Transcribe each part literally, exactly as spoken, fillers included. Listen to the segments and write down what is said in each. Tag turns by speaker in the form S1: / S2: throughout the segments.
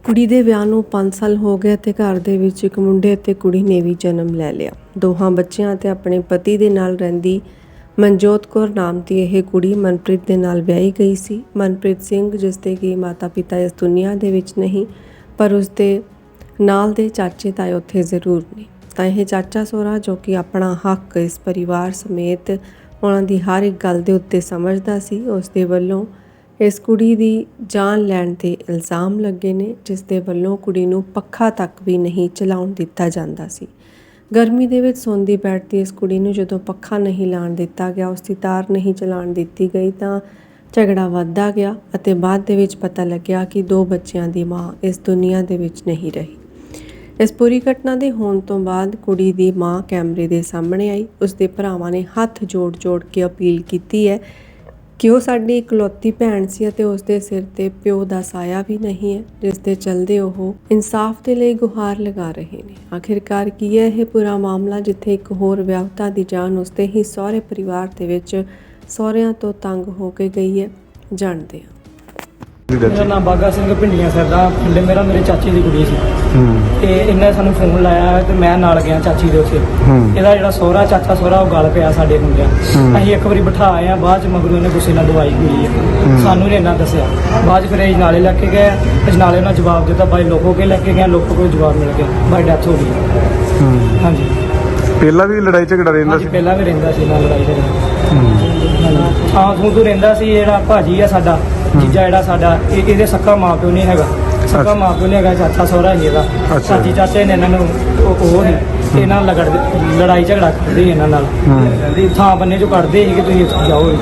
S1: ਕੁੜੀ ਦੇ ਵਿਆਹ ਨੂੰ ਪੰਜ ਸਾਲ ਹੋ ਗਏ ਤੇ ਘਰ ਦੇ ਵਿੱਚ ਇੱਕ ਮੁੰਡੇ ਅਤੇ ਕੁੜੀ ਨੇ ਵੀ ਜਨਮ ਲੈ ਲਿਆ। ਦੋਹਾਂ ਬੱਚਿਆਂ ਤੇ ਆਪਣੇ ਪਤੀ ਦੇ ਨਾਲ ਰਹਿੰਦੀ ਮਨਜੋਤ ਕੌਰ ਨਾਮ ਦੀ ਇਹ ਕੁੜੀ ਮਨਪ੍ਰੀਤ ਦੇ ਨਾਲ ਵਿਆਹੀ ਗਈ ਸੀ। ਮਨਪ੍ਰੀਤ ਸਿੰਘ, ਜਿਸ ਦੇ ਕਿ ਮਾਤਾ ਪਿਤਾ ਇਸ ਦੁਨੀਆ ਦੇ ਵਿੱਚ ਨਹੀਂ, ਪਰ ਉਸ ਦੇ ਨਾਲ ਦੇ ਚਾਚੇ ਤਾਏ ਉੱਥੇ ਜ਼ਰੂਰ ਨੇ। ਤਾਂ ਇਹ ਚਾਚਾ ਸਹੁਰਾ, ਜੋ ਕਿ ਆਪਣਾ ਹੱਕ ਇਸ ਪਰਿਵਾਰ ਸਮੇਤ ਉਹਨਾਂ ਦੀ ਹਰ ਇੱਕ ਗੱਲ ਦੇ ਉੱਤੇ ਸਮਝਦਾ ਸੀ, ਉਸ ਦੇ ਵੱਲੋਂ ਇਸ ਕੁੜੀ ਦੀ ਜਾਨ ਲੈਣ ਦੇ ਇਲਜ਼ਾਮ ਲੱਗੇ ਨੇ, ਜਿਸ ਦੇ ਵੱਲੋਂ ਕੁੜੀ ਨੂੰ ਪੱਖਾ ਤੱਕ ਵੀ ਨਹੀਂ ਚਲਾਉਣ ਦਿੱਤਾ ਜਾਂਦਾ ਸੀ। ਗਰਮੀ ਦੇ ਵਿੱਚ ਸੌਂਦੀ ਬੈਠਦੀ ਇਸ ਕੁੜੀ ਨੂੰ ਜਦੋਂ ਪੱਖਾ ਨਹੀਂ ਲਾਉਣ ਦਿੱਤਾ ਗਿਆ, ਉਸ ਦੀ ਤਾਰ ਨਹੀਂ ਚਲਾਉਣ ਦਿੱਤੀ ਗਈ, ਤਾਂ ਝਗੜਾ ਵੱਧਦਾ ਗਿਆ ਅਤੇ ਬਾਅਦ ਦੇ ਵਿੱਚ ਪਤਾ ਲੱਗਿਆ ਕਿ ਦੋ ਬੱਚਿਆਂ ਦੀ ਮਾਂ ਇਸ ਦੁਨੀਆ ਦੇ ਵਿੱਚ ਨਹੀਂ ਰਹੀ। ਇਸ ਪੂਰੀ ਘਟਨਾ ਦੇ ਹੋਣ ਤੋਂ ਬਾਅਦ ਕੁੜੀ ਦੀ ਮਾਂ ਕੈਮਰੇ ਦੇ ਸਾਹਮਣੇ ਆਈ। ਉਸ ਦੇ ਭਰਾਵਾਂ ਨੇ ਹੱਥ ਜੋੜ ਜੋੜ ਕੇ ਅਪੀਲ ਕੀਤੀ ਹੈ ਕਿ ਉਹ ਸਾਡੀ ਇਕਲੌਤੀ ਭੈਣ ਸੀ ਅਤੇ ਉਸ ਦੇ ਸਿਰ ਤੇ ਪਿਓ ਦਾ ਸਾਇਆ ਵੀ ਨਹੀਂ ਹੈ, ਜਿਸ ਦੇ ਚਲਦੇ ਉਹ ਇਨਸਾਫ ਦੇ ਲਈ ਗੁਹਾਰ ਲਗਾ ਰਹੇ ਨੇ। ਆਖਿਰਕਾਰ ਕੀ ਹੈ ਇਹ ਪੂਰਾ ਮਾਮਲਾ, ਜਿੱਥੇ ਇੱਕ ਹੋਰ ਵਿਆਹੁਤਾ ਦੀ ਜਾਨ ਉਸਦੇ ਹੀ ਸਹੁਰੇ ਪਰਿਵਾਰ ਦੇ ਵਿੱਚ ਸਹੁਰਿਆਂ ਤੋਂ ਤੰਗ ਹੋ ਕੇ ਗਈ ਹੈ, ਜਾਣਦੇ ਹਾਂ।
S2: ਮੇਰਾ ਨਾਮ ਬਾਗਾ ਸਿੰਘ ਭਿੰਡੀਆਂ ਸਰਦਾ ਪਿੰਡ ਮੇਰਾ, ਮੇਰੇ ਚਾਚੀ ਦੀ ਕੁੜੀ ਸੀ ਤੇ ਇਹਨੇ ਸਾਨੂੰ ਫੋਨ ਲਾਇਆ ਤੇ ਮੈਂ ਨਾਲ ਗਿਆ ਚਾਚੀ ਦੇ ਉੱਥੇ। ਇਹਦਾ ਜਿਹੜਾ ਸਹੁਰਾ ਚਾਚਾ ਸਹੁਰਾ ਉਹ ਗੱਲ ਪਿਆ ਸਾਡੇ ਮੁੰਡਿਆਂ। ਅਸੀਂ ਇੱਕ ਵਾਰੀ ਬਿਠਾ ਆਏ ਆ, ਬਾਅਦ ਚ ਮਗਰੋਂ ਇਹਨੇ ਗੁੱਸੇ ਨਾਲ ਦਵਾਈ ਹੋਈ ਹੈ, ਸਾਨੂੰ ਨਹੀਂ ਇੰਨਾ ਦੱਸਿਆ। ਬਾਅਦ ਚ ਫਿਰ ਇਹ ਨਾਲੇ ਲੈ ਕੇ ਗਏ, ਅਜਨਾਲੇ ਉਹਨਾਂ ਜਵਾਬ ਦਿੱਤਾ, ਬਾਈ ਲੋਕੋ ਕੇ ਲੈ ਕੇ ਗਏ, ਲੋਕੋ ਕੋਲ ਜਵਾਬ ਮਿਲ ਗਿਆ, ਬਾਈ ਡੈਥ ਹੋ ਗਈ। ਹਾਂਜੀ,
S3: ਪਹਿਲਾਂ ਵੀ ਲੜਾਈ ਝਗੜਾ ਰਹਿੰਦਾ ਸੀ?
S2: ਪਹਿਲਾਂ ਵੀ ਰਹਿੰਦਾ ਸੀ ਨਾਲ ਲੜਾਈ ਝਗੜਾ। ਥਾਂ ਥੂ ਤੋਂ ਰਹਿੰਦਾ ਸੀ। ਜਿਹੜਾ ਭਾਜੀ ਆ ਸਾਡਾ ਜੀਜਾ, ਜਿਹੜਾ ਸਾਡਾ ਇਹ ਇਹਦੇ ਸੱਕਾ ਮਾਂ ਪਿਓ ਨਹੀਂ ਹੈਗਾ, ਸੱਕਾ ਮਾਂ ਪਿਓ ਨਹੀਂ ਹੈਗਾ, ਚਾਚਾ ਸਹੁਰਾ ਹੀ ਇਹਦਾ। ਚਾਚੀ ਚਾਚੇ ਨੇ ਇਹਨਾਂ ਨੂੰ ਉਹ ਉਹ ਨਹੀਂ ਤੇ ਇਹਨਾਂ ਨਾਲ ਲੜਦੇ, ਲੜਾਈ ਝਗੜਾ ਕਰਦੇ ਇਹਨਾਂ ਨਾਲ, ਥਾਂ ਬੰਨੇ ਚੋਂ ਕੱਢਦੇ ਸੀ ਕਿ ਤੁਸੀਂ ਜਾਓ।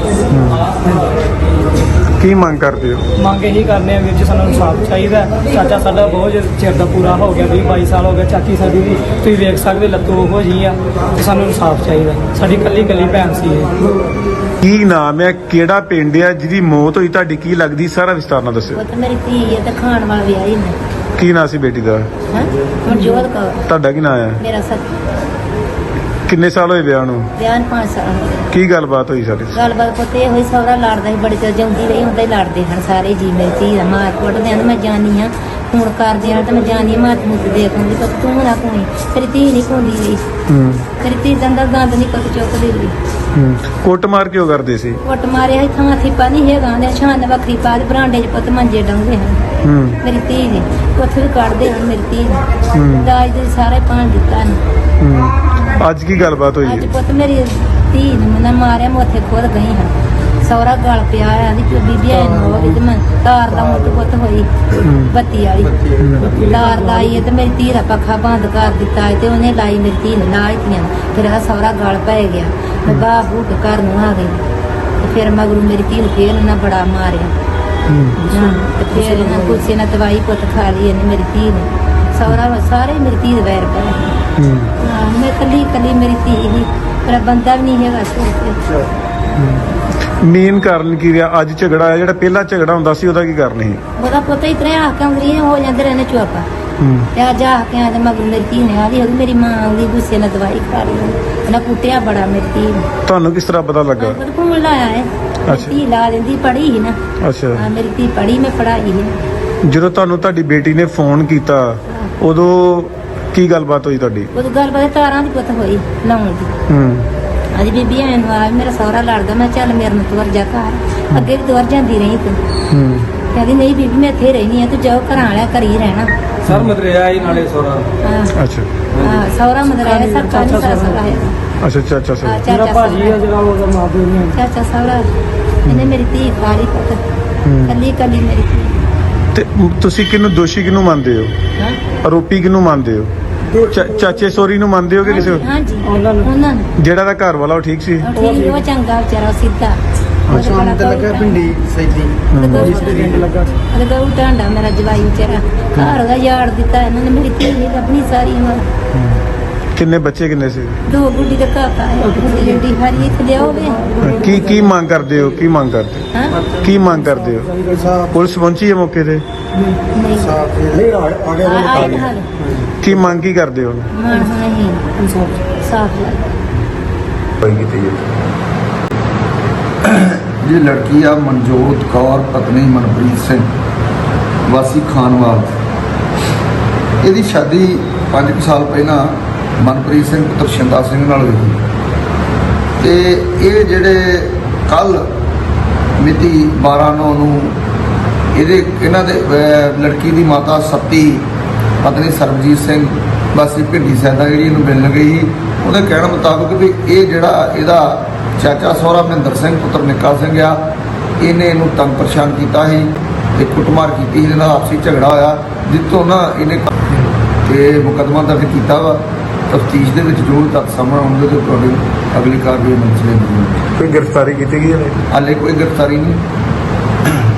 S3: ਕੀ ਮੰਗ ਕਰਦੇ ਹੋ?
S2: ਮੰਗ ਇਹੀ ਕਰਨੇ ਆ ਵੀਰ ਜੀ, ਸਾਨੂੰ ਇਨਸਾਫ ਚਾਹੀਦਾ। ਚਾਚਾ ਸਾਡਾ ਬਹੁਤ ਚਿਰ ਦਾ ਪੂਰਾ ਹੋ ਗਿਆ, ਵੀਹ ਬਾਈ ਸਾਲ ਹੋ ਗਿਆ। ਚਾਚੀ ਸਾਡੀ ਵੀ ਤੁਸੀਂ ਵੇਖ ਸਕਦੇ ਲੱਤੋਂ ਉਹੋ ਜਿਹੀ ਆ, ਤੇ ਸਾਨੂੰ ਇਨਸਾਫ ਚਾਹੀਦਾ। ਸਾਡੀ ਇਕੱਲੀ ਇਕੱਲੀ ਭੈਣ ਸੀ ਇਹ।
S3: ਕੀ ਨਾਮ ਹੈ, ਕਿਹੜਾ ਪਿੰਡ ਹੈ ਜਿਹਦੀ ਮੌਤ ਹੋਈ, ਤੁਹਾਡੀ ਕੀ ਲੱਗਦੀ, ਸਾਰਾ ਵਿਸਤਾਰ ਨਾਲ ਦੱਸਿਓ।
S4: ਉਹ ਤਾਂ ਮੇਰੀ ਧੀ ਹੈ ਤੇ ਖਾਣ ਵਾਲਾ ਵਿਆਹੀ ਨੇ।
S3: ਕੀ ਨਾਂ ਸੀ ਬੇਟੀ ਦਾ?
S4: ਹਾਂ, ਮਨਜੋਤ ਕੌਰ।
S3: ਤੁਹਾਡਾ ਕੀ ਨਾਮ ਹੈ?
S4: ਮੇਰਾ ਸੱਤ।
S3: ਕਿੰਨੇ ਸਾਲ ਹੋਏ ਵਿਆਹ ਨੂੰ?
S4: ਵਿਆਹ ਨੂੰ ਪੰਜ ਸਾਲ ਹੋ ਗਏ।
S3: ਕੀ ਗੱਲਬਾਤ ਹੋਈ ਸਾਡੀ?
S4: ਗੱਲਬਾਤ ਪੁੱਤ ਇਹ ਹੋਈ, ਸਹੁਰਾ ਲੜਦਾ ਸੀ ਬੜੀ ਚਿਰ, ਜਿਉਂਦੀ ਰਹੀ ਹੁੰਦਾ ਹੀ ਲੜਦੇ ਹਨ ਸਾਰੇ ਜੀ। ਮੇਰੀ ਧੀ ਦਾ ਮਾਰ ਕੁੱਟਦੇ ਹਨ, ਮੈਂ ਜਾਣੀ ਹਾਂ ਫੋਨ ਕਰਦੇ ਹਾਂ ਤਾਂ ਮੈਂ ਜਾਣੀ ਹਾਂ, ਮਾਤ ਮੁੱਤ ਦੇਖ ਹੁੰਦੀ, ਪਰ ਤੂੰ ਨਾ ਕੋਈ ਤੇਰੀ ਧੀ ਨਹੀਂ ਕੋਂਦੀ ਰਹੀ, ਤੇਰੀ ਧੀ ਦਾ ਅੰਦਰ ਗੰਦ ਨਹੀਂ ਪਤ ਚੁੱਕਦੀ ਰਹੀ।
S3: ਕੁੱਟ ਮਾਰ ਕਿਉਂ ਕਰਦੇ ਸੀ?
S4: ਕੁੱਟ ਮਾਰਿਆ ਸੀ, ਥਾਂ ਥੀਪਾ ਨਹੀਂ ਹੈਗਾ, ਦੇ ਛਾਨ ਵੱਖਰੀ ਪਾ ਦੇ, ਬਰਾਂਡੇ 'ਚ ਪੁੱਤ ਮੰਜੇ ਡਾਉਂਦੇ ਹਨ ਮੇਰੀ ਧੀ ਨੇ, ਉੱਥੇ ਵੀ ਕੱਢਦੇ ਹਨ ਮੇਰੀ ਧੀ ਨੇ, ਦਾਜ ਦੇ ਸਾਰੇ ਪਾਣ ਦਿੱਤਾ ਨੇ।
S3: ਅੱਜ ਕੀ ਗੱਲਬਾਤ ਹੋਈ?
S4: ਅੱਜ ਪੁੱਤ ਮੇਰੀ ਧੀ ਨੇ ਮੈਨੂੰ ਮਾਰਿਆ, ਮੈਂ ਉੱਥੇ ਖੁਦ ਗਈ ਹਾਂ। ਸਹੁਰਾ ਗਲ ਪਿਆ ਆ, ਦੀ ਬੀਬੀ ਆਏ ਨੂੰ ਹੋਵੇ ਤੇ ਮੈਂ ਤਾਰ ਦਾ ਮੁੱਟ ਪੁੱਤ ਹੋਈ ਬੱਤੀ ਵਾਲੀ ਤਾਰ ਲਾਈ ਹੈ ਤੇ ਮੇਰੀ ਧੀ ਦਾ ਪੱਖਾ ਬੰਦ ਕਰ ਦਿੱਤਾ ਹੈ ਤੇ ਉਹਨੇ ਲਾਈ ਮੇਰੀ ਧੀ ਨੇ ਨਾਲ ਹੀ। ਫਿਰ ਇਹਦਾ ਸਹੁਰਾ ਗਲ ਪੈ ਗਿਆ, ਮੈਂ ਬਾਹ ਬੂਹ ਕੇ ਘਰ ਨੂੰ ਆ ਗਈ ਤੇ ਫਿਰ ਮਗਰੋਂ ਮੇਰੀ ਧੀ ਨੂੰ ਫੇਰ ਉਹਨਾਂ ਬੜਾ ਮਾਰਿਆ। ਤੇ ਫਿਰ ਇਹਨਾਂ ਗੁੱਸੇ ਨਾਲ ਦਵਾਈ ਪੁੱਤ ਖਾ ਲਈ ਇਹਨੇ ਮੇਰੀ ਧੀ ਨੇ। ਸਹੁਰਾ ਸਾਰੇ ਮੇਰੀ ਧੀ ਦੇ ਵੈਰ ਪਏ। ਮੈਂ ਕੱਲੀ ਕੱਲੀ ਮੇਰੀ ਧੀ ਹੀ, ਮੇਰਾ ਬੰਦਾ ਵੀ ਨਹੀਂ ਹੈਗਾ ਸਿਰ ਤੇ।
S3: ਮੇਨ ਕਾਰਨ ਕੀ ਰਿਹਾ ਅੱਜ ਝਗੜਾ ਆਇਆ? ਜਿਹੜਾ ਪਹਿਲਾਂ ਝਗੜਾ ਹੁੰਦਾ ਸੀ ਉਹਦਾ ਕੀ ਕਾਰਨ ਸੀ?
S4: ਉਹਦਾ ਪੁੱਤ ਹੀ ਤਰ੍ਹਾਂ ਆ ਕੇ ਅੰਗਰੀ ਹੋ ਜਾਂਦੇ ਰਹਿੰਦੇ ਚੁੱਪ। ਤੇ ਅੱਜ ਆ ਕੇ ਆ ਤੇ ਮਗਰ ਮੇਰੀ ਧੀ ਨੇ ਆ ਗਈ, ਮੇਰੀ ਮਾਂ ਆਉਂਦੀ ਗੁੱਸੇ ਨਾਲ ਦਵਾਈ ਖਾ ਲਈ, ਇਹਨਾਂ ਕੁੱਟਿਆ ਬੜਾ ਮੇਰੀ ਧੀ ਨੂੰ।
S3: ਤੁਹਾਨੂੰ ਕਿਸ ਤਰ੍ਹਾਂ ਪਤਾ ਲੱਗਾ?
S4: ਫੋਨ ਲਾਇਆ ਹੈ, ਧੀ ਲਾ ਦਿੰਦੀ, ਪੜ੍ਹੀ ਸੀ ਨਾ।
S3: ਅੱਛਾ,
S4: ਹਾਂ ਮੇਰੀ ਧੀ ਪੜ੍ਹੀ, ਮੈਂ ਪੜ੍ਹਾਈ ਹੈ।
S3: ਜਦੋਂ ਤੁਹਾਨੂੰ ਤੁਹਾਡੀ ਬੇਟੀ ਨੇ ਫੋਨ ਕੀਤਾ ਉਦੋਂ ਕੀ ਗੱਲਬਾਤ ਹੋਈ ਤੁਹਾਡੀ?
S4: ਉਦੋਂ ਗੱਲਬਾਤ ਤਾਰਾਂ ਦੀ ਪੁੱਤ ਹੋਈ ਲਾਉਣ ਦੀ।
S3: ਹੂੰ
S4: ਅੱਜ ਬੀਬੀ ਆਣ ਨੂੰ ਆ, ਮੇਰਾ ਸਹੁਰਾ ਲੜਦਾ, ਮੈਂ ਚੱਲ ਮੇਰੇ ਨਾਲ ਤੁਰ ਜਾ ਘਰ, ਅੱਗੇ ਵੀ ਤੁਰ ਜਾਂਦੀ ਰਹੀ ਤੂੰ।
S3: ਹੂੰ
S4: ਕਹਿੰਦੀ ਨਹੀਂ ਬੀਬੀ ਮੈਂ ਇੱਥੇ ਰਹਿਣੀ ਆ, ਤੂੰ ਜਾਓ ਘਰਾਂ ਵਾਲਿਆ ਘਰ ਹੀ ਰਹਿਣਾ।
S2: ਸਰ ਮਦਰਿਆ ਹੀ ਨਾਲੇ ਸਹੁਰਾ।
S4: ਹਾਂ
S3: ਅੱਛਾ
S4: ਹਾਂ, ਸਹੁਰਾ ਮਦਰਿਆ ਸਰ ਕਾਹਦੀ ਸਾਰਾ ਸਹੁਰਾ ਹੈ।
S3: ਅੱਛਾ ਅੱਛਾ ਅੱਛਾ
S4: ਹਾਂ,
S2: ਮੇਰਾ
S4: ਚਾਚਾ
S2: ਭਾਜੀ ਆ ਜਿਹੜਾ ਉਹਦਾ ਮਾਂ ਪਿਓ ਨਹੀਂ।
S4: ਚਾਚਾ ਸਹੁਰਾ ਇਹਨੇ ਮੇਰੀ ਧੀ ਖਾਲੀ ਪੁੱਤ, ਕੱਲੀ ਕੱਲੀ ਮੇਰੀ ਧੀ।
S3: ਤੇ ਤੁਸੀਂ ਕਿਹਨੂੰ ਦੋਸ਼ੀ ਕਿਹਨੂੰ ਮੰਨਦੇ ਹੋ?
S4: ਹਾਂ
S3: ਆਰੋਪੀ ਕਿਹਨੂੰ ਮੰਨਦੇ ਹੋ? ਚਾ- ਚਾਚੇ ਸੋਰੀ ਨੂੰ ਮੰਨਦੇ ਹੋ ਕਿ ਕਿਸੇ ਹੋਰ?
S4: ਹਾਂਜੀ
S2: ਉਹਨਾਂ ਨੂੰ।
S4: ਉਹਨਾਂ ਨੂੰ
S3: ਜਿਹੜਾ ਦਾ ਘਰ ਵਾਲਾ ਉਹ ਠੀਕ ਸੀ?
S4: ਉਹ ਠੀਕ, ਉਹ ਚੰਗਾ ਵਿਚਾਰਾ, ਉਹ ਸਿੱਧਾ।
S5: ਸ਼ਾਮ ਤੇ ਲੱਗਾ ਪਿੰਡੀ ਸੈਦੀ
S2: ਲੱਗਾ
S4: ਉਹਦੇ ਗਊ ਢਾਂਡਾ ਮੇਰਾ ਜਵਾਈ ਵਿਚਾਰਾ, ਘਰ ਦਾ ਯਾਰ ਦਿੱਤਾ ਇਹਨਾਂ ਨੇ ਮੇਰੀ ਧੀ ਨੇ ਆਪਣੀ ਸਾਰੀ ਉਮਰ।
S3: ਕਿੰਨੇ ਬੱਚੇ ਕਿੰਨੇ ਸੀ?
S4: ਦੋ ਗੁੱਡੀ ਦਾ ਕਾਕਾ ਹੈ, ਗੁੱਡੀ ਜਿਹੜੀ ਹਰੀ ਇੱਥੇ ਲਿਆਓਗੇ।
S3: ਕੀ ਕੀ ਮੰਗ ਕਰਦੇ ਹੋ? ਕੀ ਮੰਗ ਕਰਦੇ
S4: ਹਾਂ
S3: ਕੀ ਮੰਗ ਕਰਦੇ ਹੋ? ਪੁਲਿਸ ਪਹੁੰਚੀ ਹੈ ਮੌਕੇ ਤੇ?
S4: ਨਹੀਂ
S5: ਸਾਫ ਨਹੀਂ ਆ ਗਿਆ
S4: ਆ- ਆਏ ਤਾਂ ਹਾਲੇ
S3: ਕੀ ਮੰਗ ਕੀ ਕਰਦੇ ਹੋ?
S4: ਮਾਣ ਨਹੀਂ ਸਾਫ ਲੱਗ
S5: ये लड़की आ मनजोत कौर पत्नी मनप्रीत सिंह वासी खानवाल
S6: ਇਹਦੀ ਸ਼ਾਦੀ ਪੰਜ ਕੁ ਸਾਲ ਪਹਿਲਾਂ ਮਨਪ੍ਰੀਤ ਸਿੰਘ ਪੁੱਤਰ ਸ਼ਿੰਦਾ ਸਿੰਘ ਨਾਲ ਹੋਈ ਤੇ ਇਹ ਜਿਹੜੇ ਕੱਲ ਮਿਤੀ ਬਾਰਾਂ ਨੌਂ ਨੂੰ ਇਹਦੇ ਇਹਨਾਂ ਦੇ ਅਹ, ਲੜਕੀ ਦੀ ਮਾਤਾ ਸੱਤੀ ਪਤਨੀ ਸਰਬਜੀਤ ਸਿੰਘ ਵਾਸੀ ਭਿੰਡੀ ਸੈਦਾ ਜਿਹੜੀ ਇਹਨੂੰ ਮਿਲਣ ਗਈ, ਉਹਦੇ ਕਹਿਣ ਮੁਤਾਬਕ ਵੀ ਇਹ ਜਿਹੜਾ ਇਹਦਾ ਚਾਚਾ ਸਹੁਰਾ ਮਹਿੰਦਰ ਸਿੰਘ ਪੁੱਤਰ ਨਿੱਕਾ ਸਿੰਘ ਆ, ਇਹਨੇ ਇਹਨੂੰ ਤੰਗ ਪਰੇਸ਼ਾਨ ਕੀਤਾ ਸੀ ਤੇ ਕੁੱਟਮਾਰ ਕੀਤੀ, ਇਹਦੇ ਨਾਲ ਆਪਸੀ ਝਗੜਾ ਹੋਇਆ ਜਿੱਥੋਂ ਨਾ ਇਹਨੇ ਤੇ ਮੁਕੱਦਮਾ ਦਰਜ ਕੀਤਾ ਵਾ। ਤਫਤੀਸ਼ ਦੇ ਵਿੱਚ ਜੋ ਤੱਥ ਸਾਹਮਣੇ ਆਉਣਗੇ ਤੇ ਤੁਹਾਡੀ ਅਗਲੀ ਕਾਰਵਾਈ ਮੰਚ ਲੈਂਦੀ
S3: ਕੋਈ ਗ੍ਰਿਫਤਾਰੀ ਕੀਤੀ ਗਈ ਹੈ?
S6: ਹਾਲੇ ਕੋਈ ਗ੍ਰਿਫਤਾਰੀ ਨਹੀਂ।